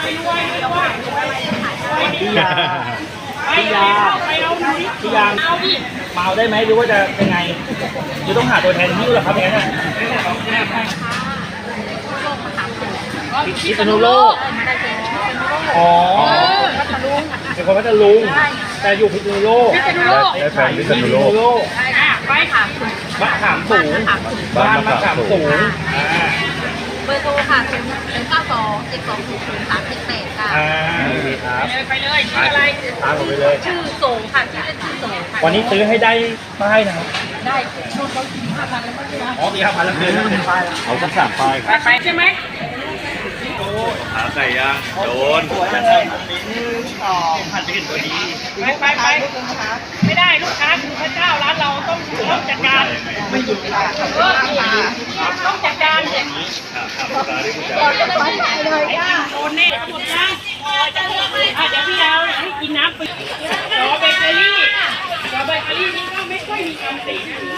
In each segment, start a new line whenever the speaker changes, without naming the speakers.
พี่ยาพี่ยาพี่ยาเมาได้ไหมหรือว่าจะเป็นไงจะต้องหาตัวแทนที่หรอครับอย่างนั้นพิษณุโลกอ๋อเป็นคนพัทลุงแต่อยู่พิษณุโลก
ได้แฟนพิษณุโลก
ไปค่ะ
มะขามสูงบ้านมะขามสูง
เบอร์โทรค่ะ092-7200-378ค่ะไปเลยชื่ออะไร
ตามผมไปเลย
ชื่อโสงค่ะชื่อเล่นชื่อโสงค่ะ
วันนี้ซื้อให้ได้ป้ายนะครับ
ได้โดนเขา5,000แล้วมั้งนะ
อ๋อ5,000แล้วเลยเป็นป้าย
เอาสัก3 ป้าย
ไปใช่ไหม
ขาไก่ย่างโดน
ผัดจะเห็นตัวนี้
ไปไม่ได้ลูกค้าคือพระเจ้าร้านเราต้องจัดการไม่หยุดต้องจัดการเลยโดนแน่หมดยังเดี๋ยวพี่เอาให้กินน้ำไปรอเบเกอรี่นี่ก็ไม่ค่อยมีคำติ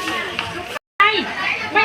ไม่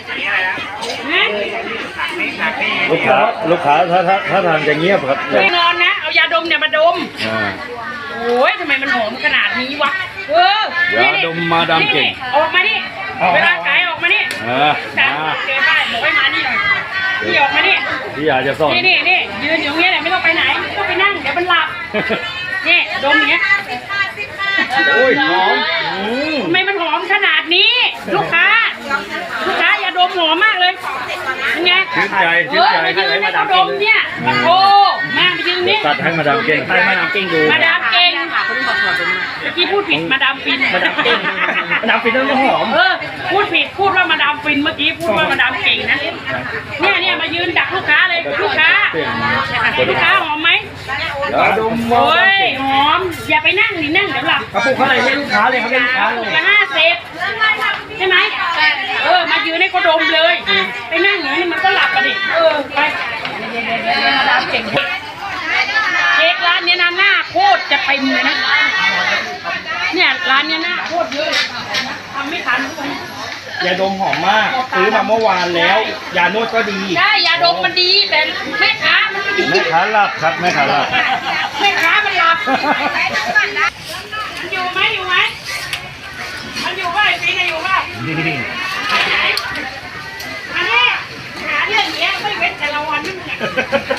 ลูกค้าถ้าทานจะเงียบครับ
ไม่นอนนะเอายาดมเนี่ยมาดมโอ้ยทำไมมันหอมขนาดนี้วะ
ยาดมมาดามเก่ง
ออกมานี่เวลาขายออกมานี่เจอป้ายบอกให้มานี่หน่อยพี่ออกมานี่
พี่อยากจะสอน
นี่ยืนอยู่ตรงนี้แหละไม่ต้องไปไหนไม่ต้องไปนั่งเดี๋ยวมันหลับนี่ดมอย่างเงี้ย
โอ้ยหอม
ทำไมมันหอมขนาดนี้ลูกค้าอย่าดมหอมมากเลยยังไง
ชื่นใจ
มายืนให้เขาดมเนี่ยโอ้มายืนนี่
ตัดให้มาดามเก่ง
ให้มาดามเก่งดู
มาดามเก่งค่ะคนที่บอกเมื่อกี้พูดผิดมาดามฟิน
มาดามเก่งมาดามฟินต้องหอม
พูดผิดพูดว่ามาดามฟินเมื่อกี้พูดว่ามาดามเก่งนะเนี่ยมายืนดักลูกค้าเลยลูกค้าหอมไหม
ดม
โอ้ยหอมอย่าไปนั่งดินั่งเดี๋ยวหลับ
กระปุกเท่าไหร่ให้ลูกค้าเลยครับลูกค้าเลย
50ใช่ไหมมายืนให้เขาดมเลยไปนั่งอย่างนี้มันก็หลับไปดิไปมาดามเก่งเค้กร้านนี้นะหน้าโคตรจะเต็มเลยนะเนี่ยร้านนี้หน้าโคตรเยอะทำไม่ทัน
ยาดมหอมมากซื้อมาเมื่อวานแล้วยานวดก็ดี
ใช่ยาดมมันดีแต่แม่ค้ามันไม่ดี
แม่ค้าหลับครับแม่ค้าหลับ
มันหลับมันอยู่ไหมมันอยู่ว่าไอ้ปีนอยู่ว่าอันนี้หาเรื่องเนี้ยไม่เว้นแต่ละวันนั่นแหละ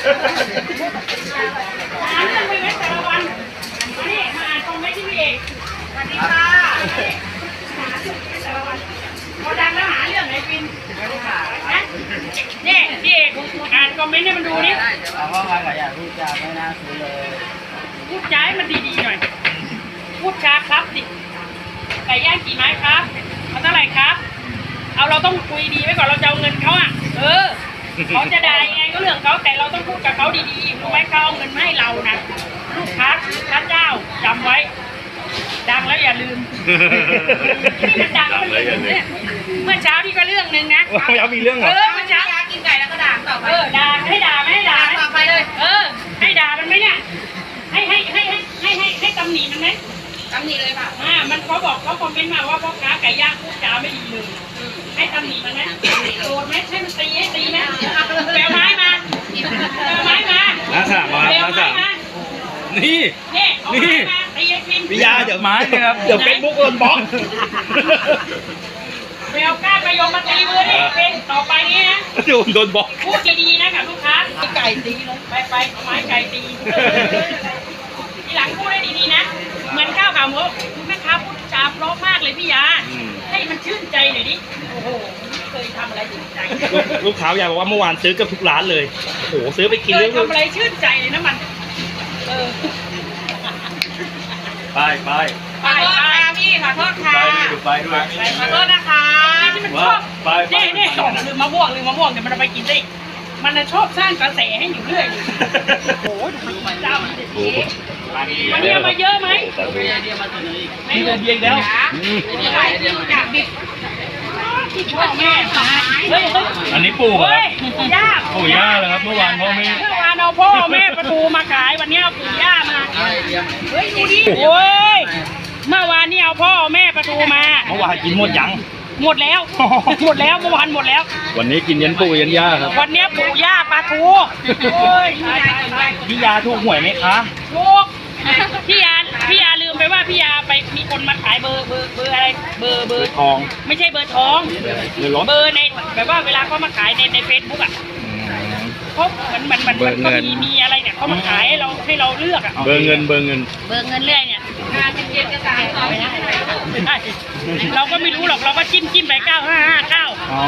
หาเรื่องไม่เว้นแต่ละวันอันนี้มาอ่านคอมเมนต์ที่พี่เอกสวัสดีค่ะหาเรื่องไม่แต่ละวันพอดังแล้วหาเรื่องไหนปีนเนี่ยพี่เอกอ่านคอมเมนต์ให้มันดูนี่
เอาว่าใครอยากพูดจาไม่น่าซื้อเลย
พูดจาให้มันดีๆหน่อยพูดจาครับดิไก่ย่างกี่ไม้ครับเอาเท่าไหร่ครับเอาเราต้องคุยดีไว้ก่อนเราจะเอาเงินเขาเขาจะได้ยังไงก็เรื่องเขาแต่เราต้องพูดกับเขาดีๆรู้ไหมเขาเอาเงินมาให้เรานะลูกค้าพระเจ้าจำไว้ดังแล้วอย่าลืมนี่มันดังเนี่ยเมื่อเช้าที่ก็เรื่องนึงนะ
แล้วมีเรื่องเหรอ
เมื่อเช้ากินไก่แล้วก็ด่าต่อไปด่าให้ด่าไม่ให้ด่าต่อไปเลยให้ด่ามันไหมเนี่ยให้ตำหนิมันไหมตำหนิเลยค่ะมันเขาบอกเขาคอมเมนต์มาว่าพ่อค้าไก่ย่างพูดจาไม่ดีเลยให้ตำหนิมันไหมโกรธไหมให้มันตีไหมแปลไม้มา
น้าสามมานี่
ตีให้ฟิน
วิยาเดี๋ยวไม้นะครับเดี๋ยวเป็นบุ๊กโดนบล็อก
เบลก้าไปยมมาตีมือนี่เป็นต่อไปนี้นะ
โดนบล็อก
พูดดีๆนะกับลูกค้าไก่ตีเลยไปเอาไม้ไก่ตีทีหลังพูดได้ดีๆนะเหมือนข้าวขาหมูแม่ค้าพูดจาเพราะมากเลยพี่ยาให้มันชื่นใจหน่อยดิโอ้โหไม่เคยทำอะไรชื่นใจ
ลูกค้าอยากบอกว่าเมื่อวานซื้อกับทุกร้านเลยโอ้โหซื้อไปกินเรื่อง
ทำอะไรชื่นใจเลยนะมัน
ไป
พี่ขอโทษค่ะ
ไปด้วย
ขอโทษนะคะที่มันชอบนี่ลืมมะม่วงเดี๋ยวมันเอาไปกินได้มันชอบสร้างกระแสให้อยู่เรื่อยโอ้โหดูมันเจ้ามันวันนี้มาเยอะไหม
มีเดียงแล้ว
พ่อแม่
อันนี้ปู่ครับ
ปู่
ย่าเลยครับเมื่อวานเอา
พ่อแม่ประตูมาขายวันนี้เอาปู่ย่ามาเฮ้ยดูดิโอ้ยเมื่อวานนี่เอาพ่อแม่ประตูมา
เมื่อวานกินหมดยัง
หมดแล้วเมื่อวานหมดแล้ว
วันนี้กินยันปู่ยันย่าครับ
วันนี้ปู่ย่าปลาทูโอ้ย
พี่ยาถูกหวยไหมคะ
ถูกพี่ยาลืมไปว่าพี่ยาไปมีคนมาขายเบอร์อะไรเบอร์
ทอง
ไม่ใช่เบอร์ทอง
หรือรถ
เบอร์ในแบบว่าเวลาเขามาขายในเฟซบุ๊กอ่ะเขาเหมือนก็มีอะไรเนี่ยเขามาขายให้เราเลือกอ่ะ
เบอร์เงิน
เบอร์เงินเรื่อยเนี่ยเราก็ไม่รู้หรอกเราก็จิ้มไป9559
อ๋อ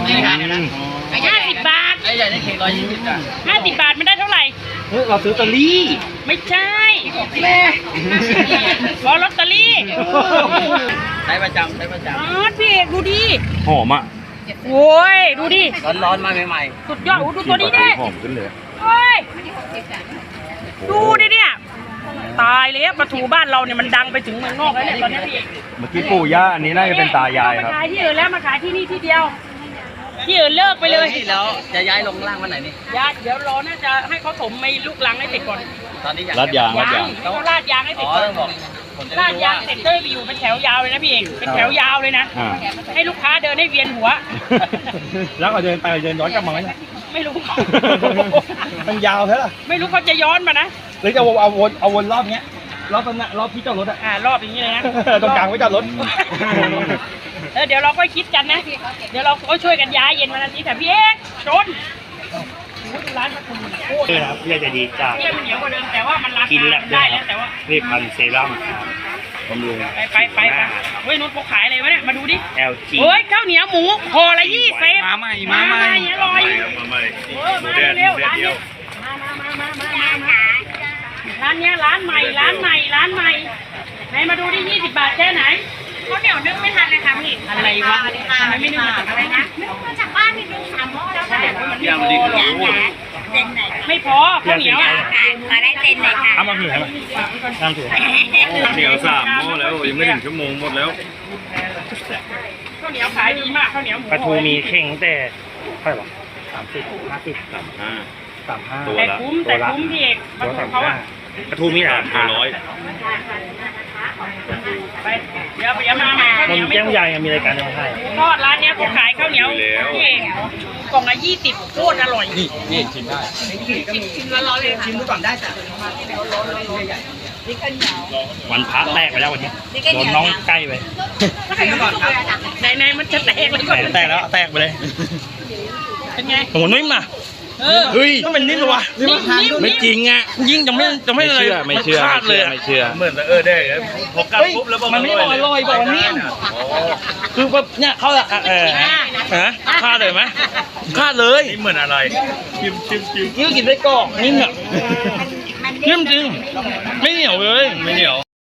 50 บาทไอ้ใหญ่ได้เค้ก120 อ่ะ50 บาทมันได้เท่าไหร่
เฮ้ยเราซื้อลอตเตอรี่
ไม่ใช่แม่รอลอตเตอรี่
ใช้ประจำ
พี่เอกดูดิ
หอมอ่ะ
โอ้ยดูดิ
ร้อนๆมาใหม่
สุดยอดโอ้ดูตัวนี้ดิ
หอมขึ้นเลย
โอ้ยดูดิเนี่ยตายเลยปลาทูบ้านเราเนี่ยมันดังไปถึงเมืองนอกแล้วเนี่ยตอนนี้พี่เอก
เมื่อกี้ปู่ย่าอันนี้น่าจะเป็นตายายครับ
มาขายที่อื่นแล้วมาขายที่นี่ที่เดียวที่อื่นเลิก
ๆ
ไปเลย
แล้วจะย้ายลงล่างวันไหนนี่
เดี๋ยวรอน่าจะให้เขาถมไม่ลูกลังให้เสร็จก่อน
ตอนนี้อยาก
รัดยาง
ให้เขาลาดยางให้เสร็จก่อน
ต้องบอกผมจะ
ลา
ได้
ด
รู้
ยา
ว่าง
เสร็จก็ไปอยู่เป็นแถวยาวเลยนะพี่เอกเป็นแถวยาวเลยนะ
อ่า
ให้ลูกค้าเดินให้เวียนหัว
แล้วก็เดินไปเดินย้อนกลับมาไหมเนี่ย
ไม่รู้
มันยาวใช่ไหม
ไม่รู้เขาจะย้อนมานะ
หรือจะเอาวนรอบเนี้ยรอบตรงนั้นรอบที่จอดรถอะ
รอบอย่างนี้เลยนะ
ตรงกลางไว้จอดรถ
เดี๋ยวเราก็คิดกันนะ เดี๋ยวเราก็ช่วยกันย้ายเย็นวันอาทิตย์แต่พี่เอกชนร้านปลาทูโคตร
นี่นะครับพี่ใจดีจาก
เที่ยมันเหนียวกว่าเดิมแต่ว่ามันรา
กิน
คา
แลบ
ได้แล้วแต่ว่า
นี่พันเซรั่มบำรุง
ไปเฮ้ยนุชเขาขายอะไรวะเนี่ยมาดูดิ
LG
เฮ้ยข้าวเหนียวหมูห่อละ20
มาใหม่
อร่อย
มาใหม่
มาเร็วร้านนี้ร้านเนี้ยร้านใหม่ไหนมาดูดิ20 บาทแค่ไหนข้าวเหนียวนึ่งไม่ทันเลยค่ะพี่อะไรวะทำไมไม่นึ่งมาจากอะไรนะนึ่งมาจากบ้านนี่นึ่ง3 หม้อแล้วค่ะมันไม่พอไม่พอข้าวเหนียว
ขอได้เซ็นเลยค่ะ
เอามาถือให้มาตามถือ
เหนียว3 หม้อแล้วยังไม่ถึงชั่วโมงหมดแล้ว
ข้าวเหนียวขายดีมากข้าวเหนียวหมู
ปลาทูมีเข่งแต่เท่าไหร่วะ30 50
35 ตัว
แต่
ละ
คุ้มพี่เอกปลาทูเขาอะ
ปลาทูมีหลาย
ตัวร้อย
ไปเดี๋ยวมาใหม่ข้าวเห
มัน
นียวไม่
แก้ม
ถูก
ยายมีรายการยังไง
ทอดร้านเนี้ยเขาขายข้าวเหนียวพี่เอกกล่องละ20โคตรอร่อย
นี่ชิมได้
วันพระแตกไปแล้ววันนี้โดนน้องใกล้ไป
ในมันจะแตกเลยก่อน
แตกแล้วแตกไปเลย
เป็นไง
โอ้โหนิ่มอ่ะ
เฮ้ย
ต้องเป็นนิ่มเลยวะ
ไม่จริงอ่ะ
ยิ่งจะไม่เลย
ไม่เชื่อ
คาดเลยอะ
ไม่เชื่อเหมือนได้เลยพอกัด
เฮ้ย
ปุ๊บแล้ว
มันไม่บอกอร่อยบอกว่านิ่มคือแบบเนี่ยเขาคาดเลยไหมคาดเลย
นี่เหมือนอะไรชิม
นี่ก็กินไส้กรอกนิ่มอ่ะนิ่มจริงไม่เหนียวเลย
ไม่เหนียว